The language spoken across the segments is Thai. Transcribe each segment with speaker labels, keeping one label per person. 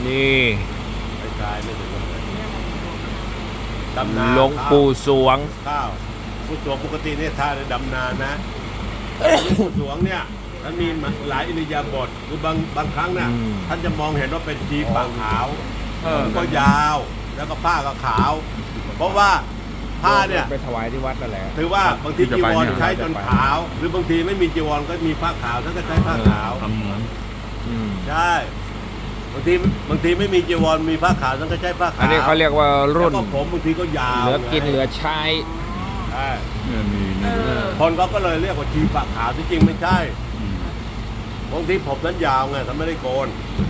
Speaker 1: นี่
Speaker 2: ไกลๆไม่ถึงกันเลยดำนา
Speaker 1: หลวงปู่สวง
Speaker 2: ข้าวผู้สวงปกติเนี่ยท่าในดำนานะผู้สวงเนี่ยท่านมีหลายอิริยาบถคือบางครั้งเนี่ยท่านจะมองเห็นว่าเป็นจีปากขาวก็ยาวแล้วก็ผ้าก็ขาว เพราะว่าผ้าเนี่ย
Speaker 1: ไปถวายที่วัดนั่นแหละ
Speaker 2: ถือว่าบางทีจีวรใช้จนขาว หรือบางทีไม่มีจีวรก็มีผ้าขาวท่านก็ใช้ผ้าขาวใช่บางทีไม่มีจีวรมีผ้าขาวท่านก็ใช้ผ้าขาว
Speaker 1: อันนี้เขาเรียกว่ารุ่น
Speaker 2: แล้วก็ผมบางทีก็ยาว
Speaker 1: เหลือกินเหลือใช้
Speaker 2: ใช่
Speaker 3: เนี่ยมี
Speaker 2: คนก็เลยเรียกว่าจีปากขาวที่จริงไม่ใช่บางทีผมนั้นยาวไงท่านไม่ได้โกน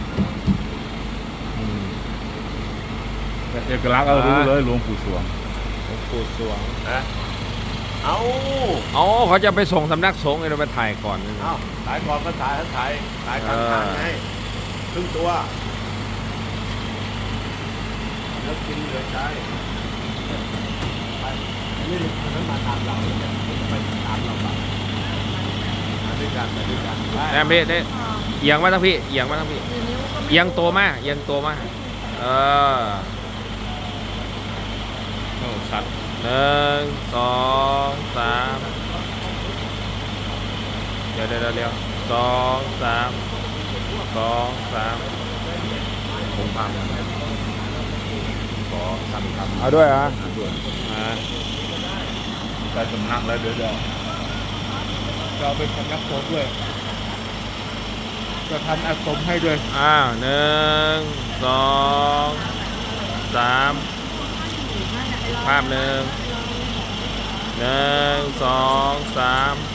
Speaker 3: แต่เอกลักษณ์เรารู้เลยหลวงปู่สวง
Speaker 1: หลวงปู่สวง
Speaker 2: นะเอา
Speaker 1: อ๋อเขาจะไปส่งสำนักสงฆ์เราไปถ่ายก่อน
Speaker 2: เอาถ่ายก่อนก็ถ่ายกลางทางไงครึ่งตัวแล้วกินเหลือใช้ไปนี่มันมาตามเราเนี่ยไปตามเราไปมาด้วยกันไป
Speaker 1: แอมพี่ได้เอียงมาทั้งพี่เอียงมาทั้งพี่เอียงตัวมากเอียงตัวมาก
Speaker 3: โอ้ชัด
Speaker 1: 1 2 3เดี๋ยว2 3 2 3ผมพามาขอทำครับเอาด้วยฮะ
Speaker 3: ด้วยได้สำนักแล้วเดี๋ยวจะเอาเป็นสำนักสงฆ์ด้วยจะทำอาสมให้ด้วย
Speaker 1: 1 2 3ภาพ1 2 3